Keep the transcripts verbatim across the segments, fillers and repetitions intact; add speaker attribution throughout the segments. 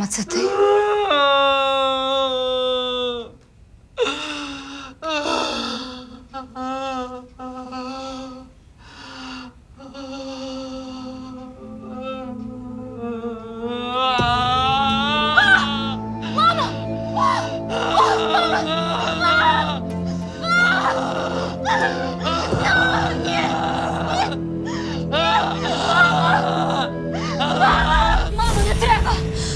Speaker 1: Мама, це ти? Мамо, не треба!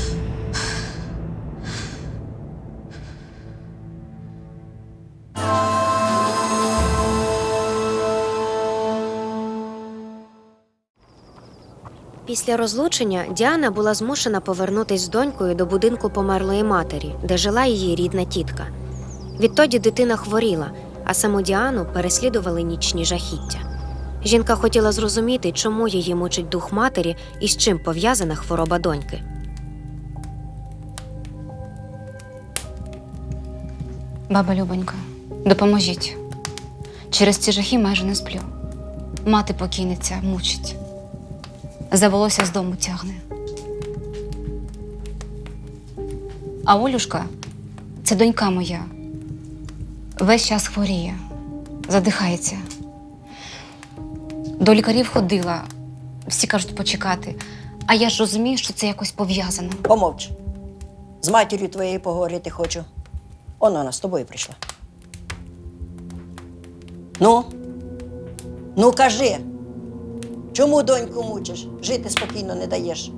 Speaker 2: Після розлучення Діана була змушена повернутись з донькою до будинку померлої матері, де жила її рідна тітка. Відтоді дитина хворіла, а саму Діану переслідували нічні жахіття. Жінка хотіла зрозуміти, чому її мучить дух матері і з чим пов'язана хвороба доньки.
Speaker 1: Баба Любонька, допоможіть. Через ці жахи майже не сплю. Мати покійниця мучить. За волосся з дому тягне. А Олюшка – це донька моя. Весь час хворіє, задихається. До лікарів ходила, всі кажуть почекати. А я ж розумію, що це якось пов'язано.
Speaker 3: Помовч. З матір'ю твоєю поговорити хочу. Он вона з тобою прийшла. Ну? Ну, кажи. Чому доньку мучиш? Жити спокійно не даєш.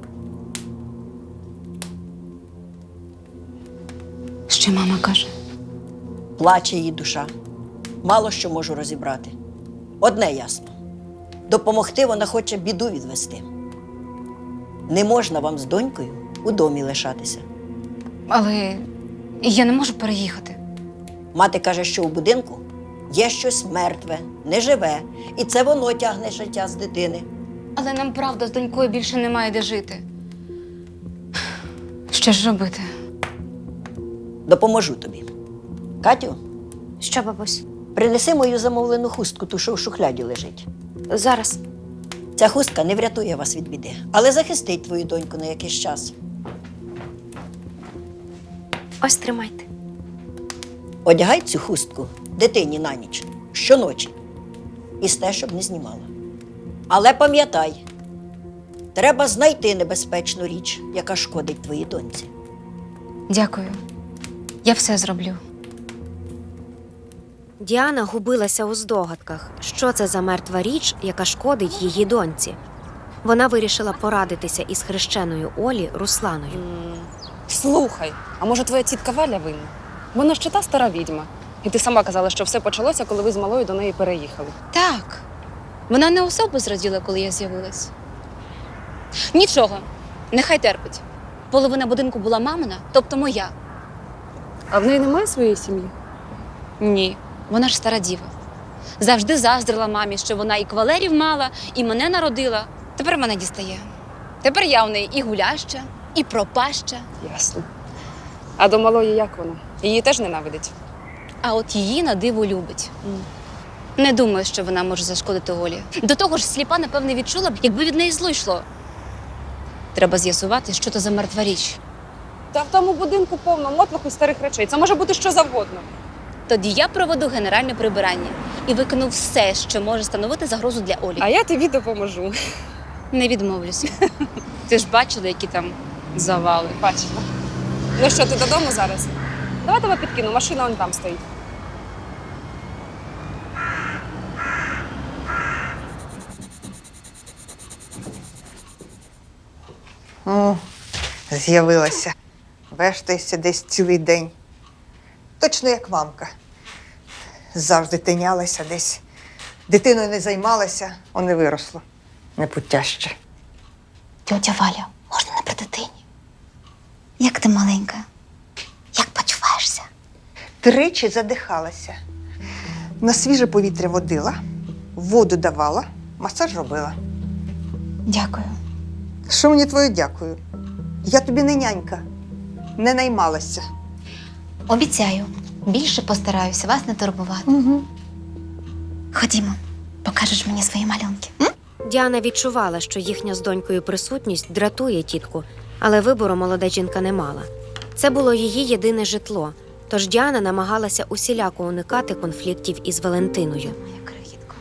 Speaker 1: Що мама каже?
Speaker 3: Плаче її душа. Мало що можу розібрати. Одне ясно. Допомогти вона хоче біду відвести. Не можна вам з донькою у домі лишатися.
Speaker 1: Але я не можу переїхати.
Speaker 3: Мати каже, що у будинку є щось мертве, неживе, і це воно тягне життя з дитини.
Speaker 1: Але нам, правда, з донькою більше немає де жити. Що ж робити?
Speaker 3: Допоможу тобі. Катю,
Speaker 2: Що, бабусь?
Speaker 3: принеси мою замовлену хустку, ту, що в шухляді лежить.
Speaker 2: Зараз.
Speaker 3: Ця хустка не врятує вас від біди, але захистить твою доньку на якийсь час.
Speaker 2: Ось тримайте.
Speaker 3: Одягай цю хустку дитині на ніч, щоночі. І сте, щоб не знімала. Але пам'ятай, треба знайти небезпечну річ, яка шкодить твоїй доньці.
Speaker 1: Дякую. Я все зроблю.
Speaker 2: Діана губилася у здогадках, що це за мертва річ, яка шкодить її доньці. Вона вирішила порадитися із хрещеною Олі Русланою.
Speaker 4: Слухай, а може твоя тітка Валя винна? Вона ж чи та стара відьма. І ти сама казала, що все почалося, коли ви з малою до неї переїхали.
Speaker 1: Так. Вона не особо зраділа, коли я з'явилась. Нічого, нехай терпить. Половина будинку була мамина, тобто моя.
Speaker 4: А в неї немає своєї сім'ї?
Speaker 1: Ні, вона ж стара діва. Завжди заздрила мамі, що вона і кавалерів мала, і мене народила. Тепер мене дістає. Тепер я в неї і гуляща, і пропаща.
Speaker 4: Ясно. А до малої як вона? Її теж ненавидить?
Speaker 1: А от її на диво любить. Не думаю, що вона може зашкодити Олі. До того ж, сліпа, напевне, відчула б, якби від неї зло йшло. Треба з'ясувати, що то за мертва річ.
Speaker 4: Та в тому будинку повно мотлоху і старих речей. Це може бути що завгодно.
Speaker 1: Тоді я проведу генеральне прибирання і викину все, що може становити загрозу для Олі.
Speaker 4: А я тобі допоможу.
Speaker 1: Не відмовлюся. Ти ж бачила, які там завали.
Speaker 4: Бачила. Ну що, ти додому зараз? Давай тебе підкину, машина вон там стоїть.
Speaker 5: О, з'явилася. Вештаєшся десь цілий день. Точно як мамка. Завжди тинялася десь. Дитиною не займалася, он не виросло. Непутяще.
Speaker 6: Тьотя Валя, можна не при дитині? Як ти маленька? Як почуваєшся?
Speaker 5: Тричі задихалася. На свіже повітря водила, воду давала, масаж робила.
Speaker 6: Дякую.
Speaker 5: Що мені твоє дякую? Я тобі не нянька, не наймалася.
Speaker 6: Обіцяю, більше постараюся вас не турбувати.
Speaker 5: Угу.
Speaker 6: Ходімо, покажеш мені свої малюнки. М?
Speaker 2: Діана відчувала, що їхня з донькою присутність дратує тітку, Але вибору молода жінка не мала. Це було її єдине житло, тож Діана намагалася усіляко уникати конфліктів із Валентиною.
Speaker 1: Моя крихітко.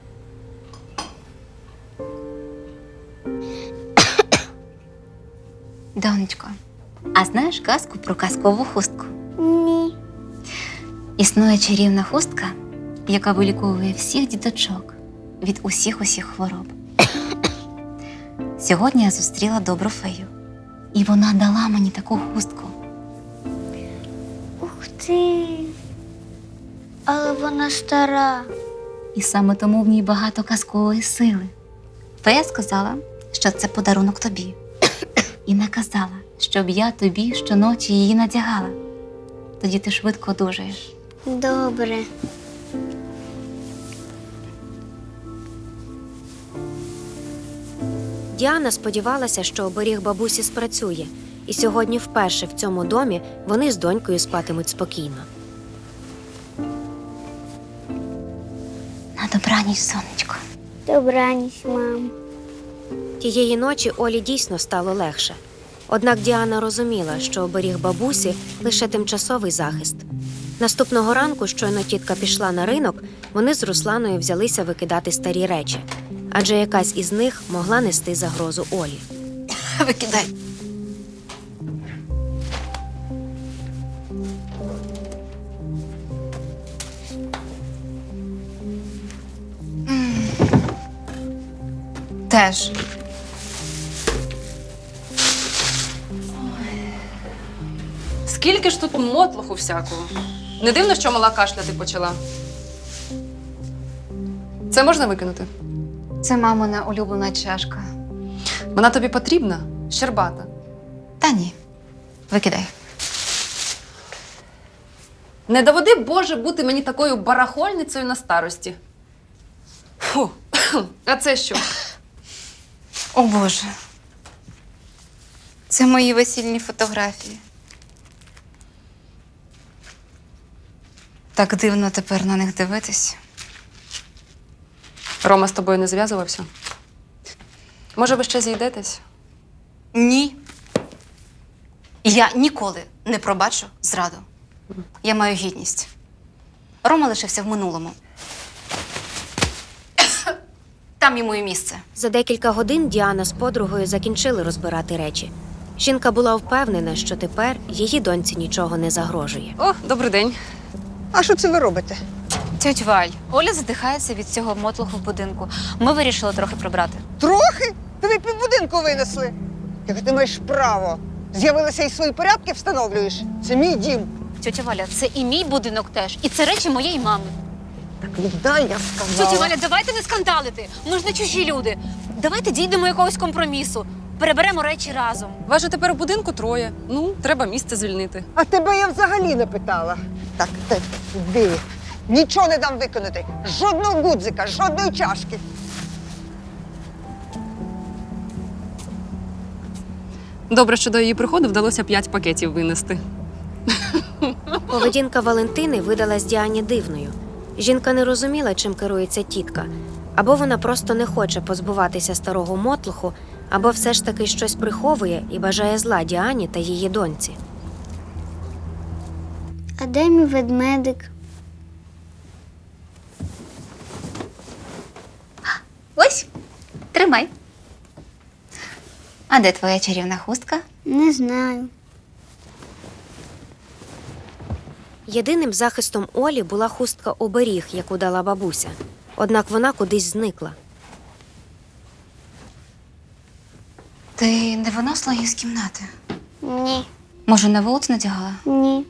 Speaker 1: Донечко, а знаєш казку про казкову хустку?
Speaker 6: Ні.
Speaker 1: Існує чарівна хустка, яка виліковує всіх діточок від усіх усіх хвороб. Сьогодні я зустріла добру фею, і вона дала мені таку хустку.
Speaker 6: Ух ти. Але вона стара.
Speaker 1: І саме тому в ній багато казкової сили. Фея сказала, що це подарунок тобі. І наказала, щоб я тобі щоночі її надягала. Тоді ти швидко одужаєш.
Speaker 6: Добре.
Speaker 2: Діана сподівалася, що оберіг бабусі спрацює, і сьогодні вперше в цьому домі вони з донькою спатимуть спокійно.
Speaker 1: На добраніч, сонечко.
Speaker 6: Добраніч, мам.
Speaker 2: Тієї ночі Олі дійсно стало легше. Однак Діана розуміла, що оберіг бабусі – лише тимчасовий захист. Наступного ранку, щойно тітка пішла на ринок, вони з Русланою взялися викидати старі речі. Адже якась із них могла нести загрозу Олі.
Speaker 1: Викидай. Теж.
Speaker 4: Скільки ж тут мотлуху всякого. Не дивно, що мала кашляти почала. Це можна викинути?
Speaker 1: Це мамина улюблена чашка.
Speaker 4: Вона тобі потрібна? Щербата.
Speaker 1: Та ні. Викидай.
Speaker 4: Не доведи, Боже, бути мені такою барахольницею на старості. Фу. А це що?
Speaker 1: О, Боже. Це мої весільні фотографії. Так дивно тепер на них дивитись.
Speaker 4: Рома з тобою не зв'язувався? Може, ви ще зійдетесь?
Speaker 1: Ні. Я ніколи не пробачу зраду. Я маю гідність. Рома лишився в минулому. Там йому і місце.
Speaker 2: За декілька годин Діана з подругою закінчили розбирати речі. Жінка була впевнена, що тепер її доньці нічого не загрожує.
Speaker 4: О, добрий день.
Speaker 5: А що це ви робите?
Speaker 1: Тьоть Валь, Оля задихається від цього мотлуху в будинку. Ми вирішили трохи прибрати.
Speaker 5: Трохи? Тобі півбудинку винесли. Як ти маєш право? З'явилися і свої порядки встановлюєш. Це мій дім.
Speaker 1: Тьотя Валя, це і мій будинок теж. І це речі моєї мами.
Speaker 5: Так віддай, я сказала.
Speaker 1: Тьотя Валя, давайте не скандалити. Ми ж не чужі люди. Давайте дійдемо якогось компромісу. Переберемо речі разом.
Speaker 4: Вас же тепер у будинку троє. Ну, треба місце звільнити.
Speaker 5: А тебе я взагалі не питала. Так, ти, іди. Нічого не дам виконати. Жодного гудзика, жодної чашки.
Speaker 4: Добре, що до її приходу вдалося п'ять пакетів винести.
Speaker 2: Поведінка Валентини видалась Діані дивною. Жінка не розуміла, чим керується тітка. Або вона просто не хоче позбуватися старого мотлуху, або все ж таки щось приховує і бажає зла Діані та її доньці.
Speaker 6: А де мій ведмедик?
Speaker 1: Ось, тримай. А де твоя чарівна хустка?
Speaker 6: Не знаю.
Speaker 2: Єдиним захистом Олі була хустка-оберіг, яку дала бабуся. Однак вона кудись зникла.
Speaker 1: Ти не виносила її з кімнати?
Speaker 6: Ні.
Speaker 1: Може, на вулицю надягала?
Speaker 6: Ні.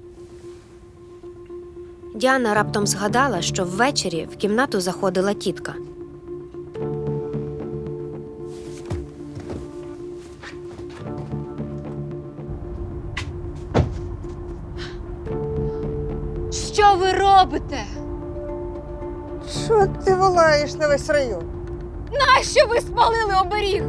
Speaker 2: Діана раптом згадала, що ввечері в кімнату заходила тітка.
Speaker 1: Що ви робите?
Speaker 5: Що ти волаєш на весь район?
Speaker 1: Нащо ви спалили оберіг?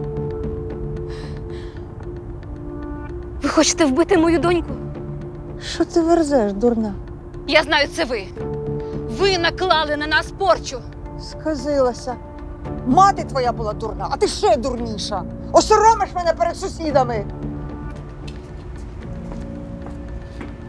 Speaker 1: Ви хочете вбити мою доньку?
Speaker 5: Що ти верзеш, дурна?
Speaker 1: Я знаю, це ви. Ви наклали на нас порчу.
Speaker 5: Сказилася. Мати твоя була дурна, а ти ще дурніша. Осоромиш мене перед сусідами.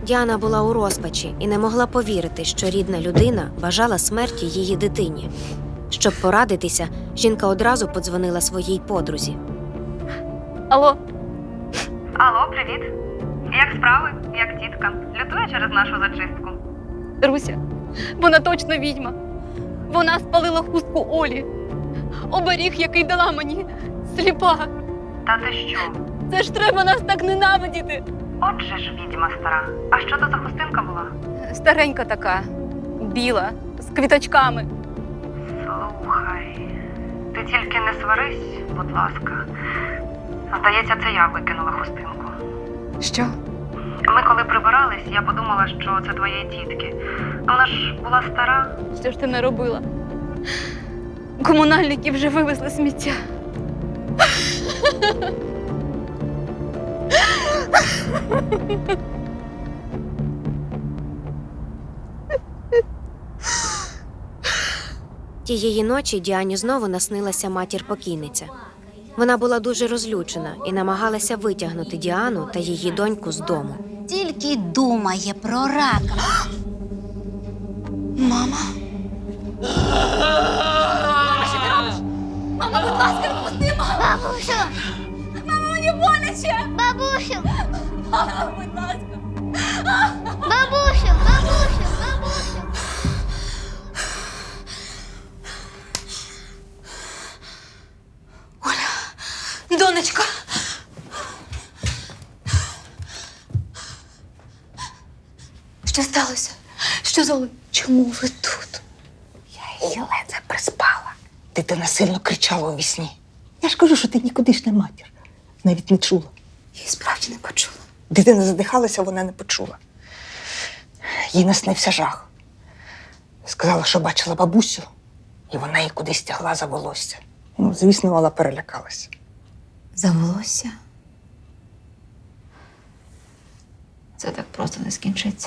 Speaker 2: Діана була у розпачі і не могла повірити, що рідна людина бажала смерті її дитині. Щоб порадитися, жінка одразу подзвонила своїй подрузі.
Speaker 1: Алло,
Speaker 7: Алло, привіт. Як справи? Як тітка? Лютує через нашу зачистку?
Speaker 1: Руся, вона точно відьма. Вона спалила хустку Олі. Оберіг, який дала мені, сліпа.
Speaker 7: Та ти що?
Speaker 1: Це ж треба нас так ненавидіти.
Speaker 7: Отже ж відьма стара. А що то за хустинка була?
Speaker 1: Старенька така, біла, з квіточками.
Speaker 7: Слухай, ти тільки не сварись, будь ласка. Здається, це я викинула хустинку.
Speaker 1: Що?
Speaker 7: Ми коли прибирались, я подумала, що це твоєї тітки. Вона ж була стара.
Speaker 1: Що ж ти не робила? Комунальники вже вивезли сміття.
Speaker 2: Тієї ночі Діані знову наснилася матір-покійниця. Вона була дуже розлючена і намагалася витягнути Діану та її доньку з дому.
Speaker 6: Тільки думає про рака. Мама.
Speaker 1: Мама, будь ласка, відпусти, мама!
Speaker 6: Бабусю!
Speaker 1: Мама, мені боляче!
Speaker 6: Бабусю!
Speaker 1: Мама, будь ласка!
Speaker 6: Бабусю! Бабусю! Бабусю!
Speaker 1: Донечка! Що сталося? Що з Олею? Чому ви тут?
Speaker 5: Я її ледве приспала. Дитина сильно кричала у вісні. Я ж кажу, що ти нікудишня матір. Навіть не чула.
Speaker 1: Я і справді не почула.
Speaker 5: Дитина задихалася, вона не почула. Їй наснився жах. Сказала, що бачила бабусю, і вона її кудись тягла за волосся. Ну, звісно, вона перелякалася.
Speaker 6: За волосся? Це так просто не скінчиться.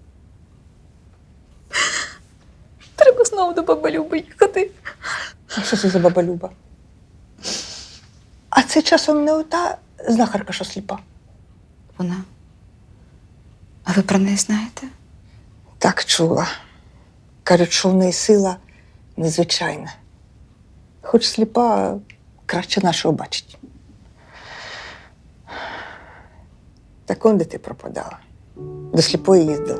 Speaker 1: Треба знову до баби Люби їхати.
Speaker 5: А що це за баба Люба? А це часом не ота знахарка, що сліпа?
Speaker 6: Вона. А ви про неї знаєте?
Speaker 5: Так чула. Кажуть, що в неї сила незвичайна. Хоч сліпа, краще нашого бачить. Так он де ти пропадала? До сліпої їздила.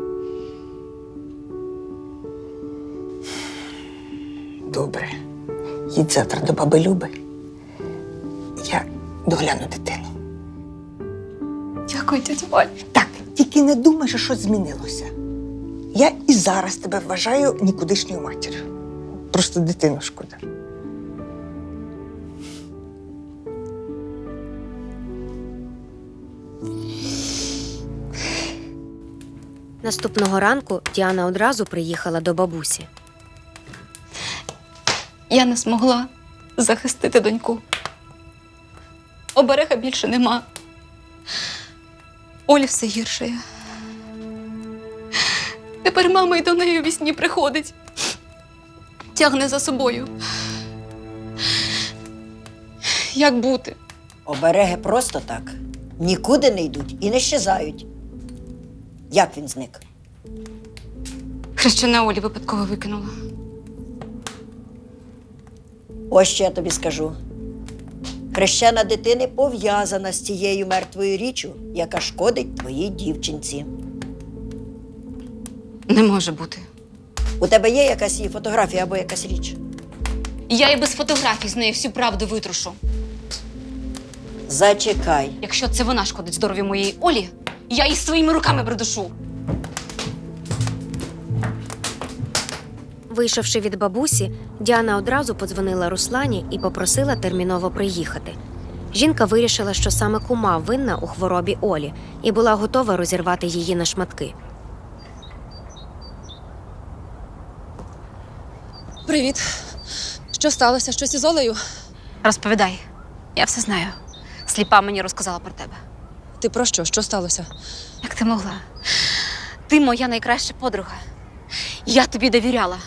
Speaker 5: Добре. Їдь завтра до баби Люби. Я догляну дитину.
Speaker 1: Дякую, тетя Валь.
Speaker 5: Так, тільки не думай, що щось змінилося. Я і зараз тебе вважаю нікудишньою матір'ю. Просто дитину шкода.
Speaker 2: Наступного ранку Діана одразу приїхала до бабусі.
Speaker 1: Я не змогла захистити доньку. Оберега більше нема. Олі все гірше. Тепер мама й до неї у вісні приходить. Тягне за собою. Як бути?
Speaker 3: Обереги просто так. Нікуди не йдуть і не щезають. Як він зник?
Speaker 1: Хрещена Олі випадково викинула.
Speaker 3: Ось що я тобі скажу. Хрещена дитини пов'язана з цією мертвою річчю, яка шкодить твоїй дівчинці.
Speaker 1: Не може бути.
Speaker 3: У тебе є якась її фотографія або якась річ?
Speaker 1: Я і без фотографій з неї всю правду витрушу.
Speaker 3: Зачекай.
Speaker 1: Якщо це вона шкодить здоров'ю моєї Олі, я її своїми руками придушу.
Speaker 2: Вийшовши від бабусі, Діана одразу подзвонила Руслані і попросила терміново приїхати. Жінка вирішила, що саме кума винна у хворобі Олі і була готова розірвати її на шматки.
Speaker 4: Привіт. Що сталося? Щось із Олею?
Speaker 1: Розповідай. Я все знаю. Сліпа мені розказала про тебе.
Speaker 4: Ти про що? Що сталося?
Speaker 1: Як ти могла? Ти моя найкраща подруга. Я тобі довіряла.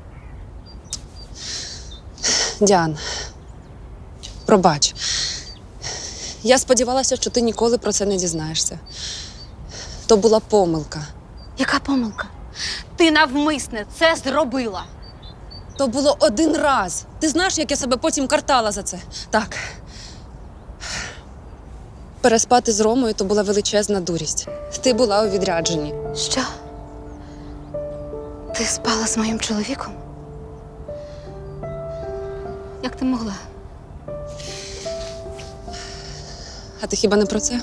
Speaker 4: Діан, пробач. Я сподівалася, що ти ніколи про це не дізнаєшся. То була помилка.
Speaker 1: Яка помилка? Ти навмисне це зробила.
Speaker 4: То було один раз. Ти знаєш, як я себе потім картала за це? Так. Переспати з Ромою то була величезна дурість. Ти була у відрядженні.
Speaker 1: Що? Ти спала з моїм чоловіком? Як ти могла?
Speaker 4: А ти хіба не про це?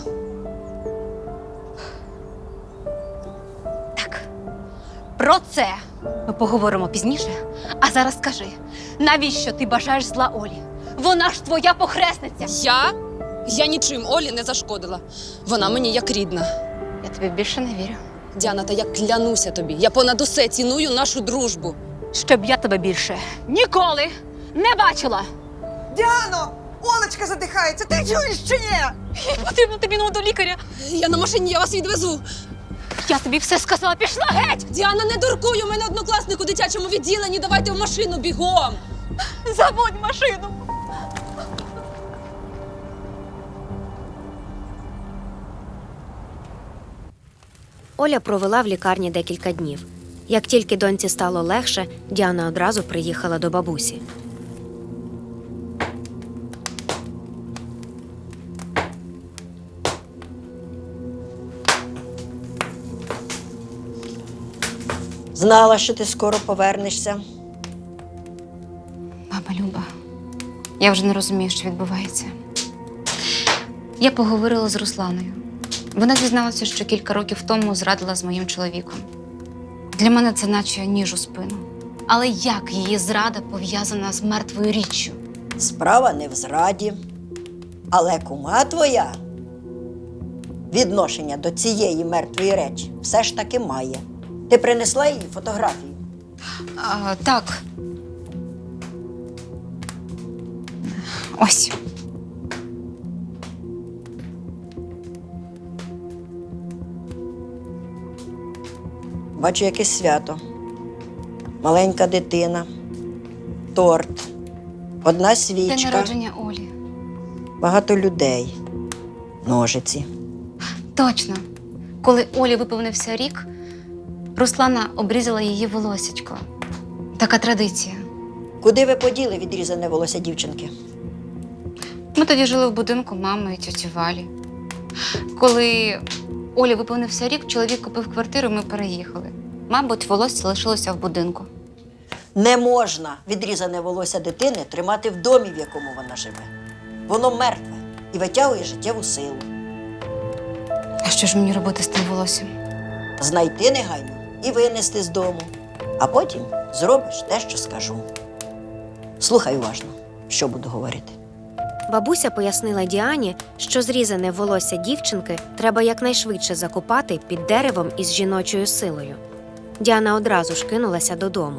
Speaker 1: Так. Про це ми поговоримо пізніше. А зараз скажи, навіщо ти бажаєш зла Олі? Вона ж твоя похресниця.
Speaker 4: Я? Я нічим Олі не зашкодила. Вона мені як рідна.
Speaker 1: Я тобі більше не вірю.
Speaker 4: Діана, та я клянуся тобі. Я понад усе ціную нашу дружбу.
Speaker 1: Щоб я тебе більше ніколи не бачила.
Speaker 5: Діано! Олечка задихається, ти чуєш чи ні?
Speaker 1: Потрібно тобі до лікаря.
Speaker 4: Я на машині, я вас відвезу.
Speaker 1: Я тобі все сказала, пішла геть!
Speaker 4: Діана, не дуркуй, у мене однокласник у дитячому відділенні. Давайте в машину бігом.
Speaker 1: Заводь машину!
Speaker 2: Оля провела в лікарні декілька днів. Як тільки доньці стало легше, Діана одразу приїхала до бабусі.
Speaker 3: Знала, що ти скоро повернешся.
Speaker 1: Баба Люба, я вже не розумію, що відбувається. Я поговорила з Русланою. Вона дізналася, що кілька років тому зрадила з моїм чоловіком. Для мене це наче ніж у спину. Але як її зрада пов'язана з мертвою річчю?
Speaker 3: Справа не в зраді. Але кума твоя відношення до цієї мертвої речі все ж таки має. Ти принесла їй фотографію?
Speaker 1: А, так. Ось.
Speaker 3: Бачу, якесь свято. Маленька дитина, торт, одна
Speaker 1: День
Speaker 3: свічка,
Speaker 1: народження Олі.
Speaker 3: багато людей, ножиці.
Speaker 1: Точно. Коли Олі виповнився рік, Руслана обрізала її волосячко. Така традиція.
Speaker 3: Куди ви поділи відрізане волосся дівчинки?
Speaker 1: Ми тоді жили в будинку мами і тьоті Валі. Коли Олі виповнився рік, чоловік купив квартиру, ми переїхали. Мабуть, волосся лишилося в будинку.
Speaker 3: Не можна відрізане волосся дитини тримати в домі, в якому вона живе. Воно мертве і витягує життєву силу.
Speaker 1: А що ж мені робити з тим волоссям?
Speaker 3: Знайти негайно і винести з дому. А потім зробиш те, що скажу. Слухай уважно, що буду говорити.
Speaker 2: Бабуся пояснила Діані, що зрізане волосся дівчинки треба якнайшвидше закопати під деревом із жіночою силою. Діана одразу ж кинулася додому.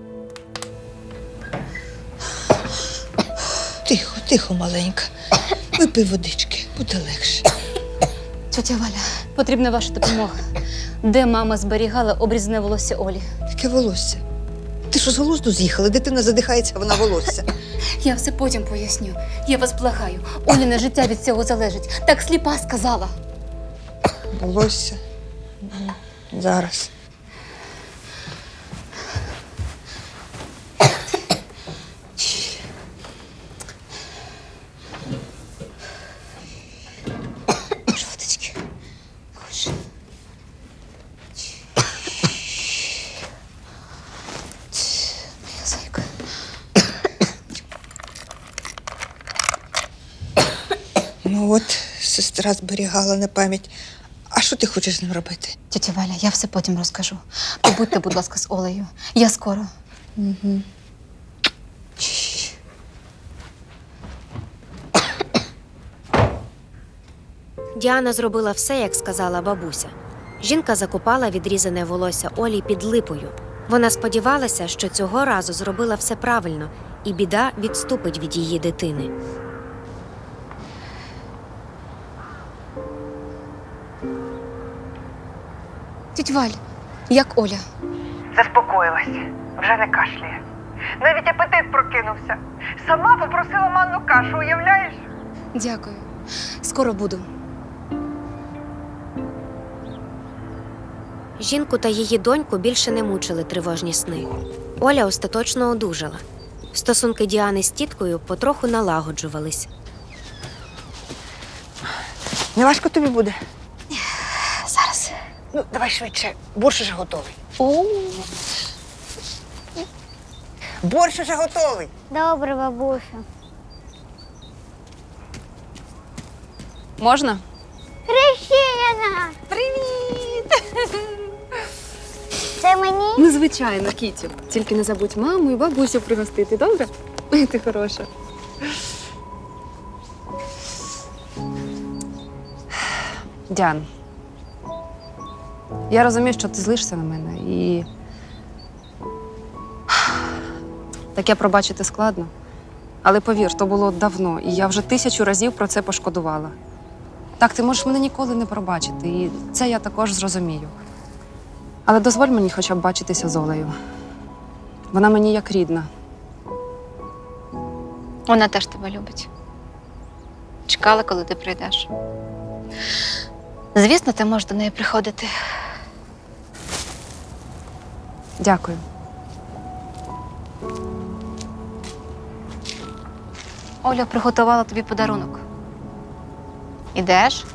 Speaker 5: Тихо, тихо, маленька. Випий водички, буде легше.
Speaker 1: Тьотя Валя, потрібна ваша допомога. Де мама зберігала обрізане волосся Олі?
Speaker 5: Яке волосся? Ти що з глузду з'їхала? Дитина задихається, вона волосся.
Speaker 1: Я все потім поясню. Я вас благаю. Оліне життя від цього залежить. Так сліпа сказала.
Speaker 5: Волосся. Зараз.
Speaker 1: Жовточки. Хоч. Моя зайка.
Speaker 5: Ну от, сестра зберігала на пам'ять. А що ти хочеш з ним робити?
Speaker 1: Тетя Валя, я все потім розкажу. Побудьте, будь ласка, з Олею. Я скоро.
Speaker 5: Угу.
Speaker 2: Діана зробила все, як сказала бабуся. Жінка закопала відрізане волосся Олі під липою. Вона сподівалася, що цього разу зробила все правильно, і біда відступить від її дитини.
Speaker 1: Тетя Валь, як Оля?
Speaker 8: Заспокоїлась, вже не кашляє. Навіть апетит прокинувся. Сама попросила манну кашу, уявляєш?
Speaker 1: Дякую. Скоро буду.
Speaker 2: Жінку та її доньку більше не мучили тривожні сни. Оля остаточно одужала. Стосунки Діани з тіткою потроху налагоджувались.
Speaker 5: Не важко тобі буде?
Speaker 6: Зараз.
Speaker 5: Ну, давай швидше, борщ уже готовий.
Speaker 6: О,
Speaker 5: Борщ уже готовий.
Speaker 6: добре, бабусю.
Speaker 4: Можна?
Speaker 6: Хрещена! Привіт! Це мені?
Speaker 4: Ну, звичайно, Кітю. Тільки не забудь маму і бабусю пригостити, добре? Ти хороша. Діан, я розумію, що ти злишся на мене і таке пробачити складно. Але повір, то було давно, і я вже тисячу разів про це пошкодувала. Так, ти можеш мене ніколи не пробачити, і це я також зрозумію. Але дозволь мені хоча б бачитися з Олею. Вона мені як рідна.
Speaker 1: Вона теж тебе любить. Чекала, коли ти прийдеш. Звісно, ти можеш до неї приходити.
Speaker 4: Дякую.
Speaker 1: Оля приготувала тобі подарунок. Ідеш?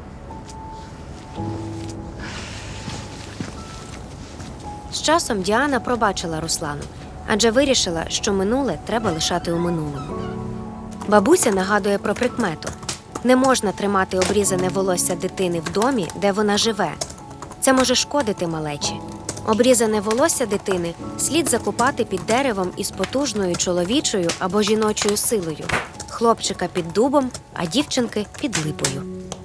Speaker 2: З часом Діана пробачила Руслану, адже вирішила, що минуле треба лишати у минулому. Бабуся нагадує про прикмету. Не можна тримати обрізане волосся дитини в домі, де вона живе. Це може шкодити малечі. Обрізане волосся дитини слід закопати під деревом із потужною чоловічою або жіночою силою. Хлопчика під дубом, а дівчинки під липою.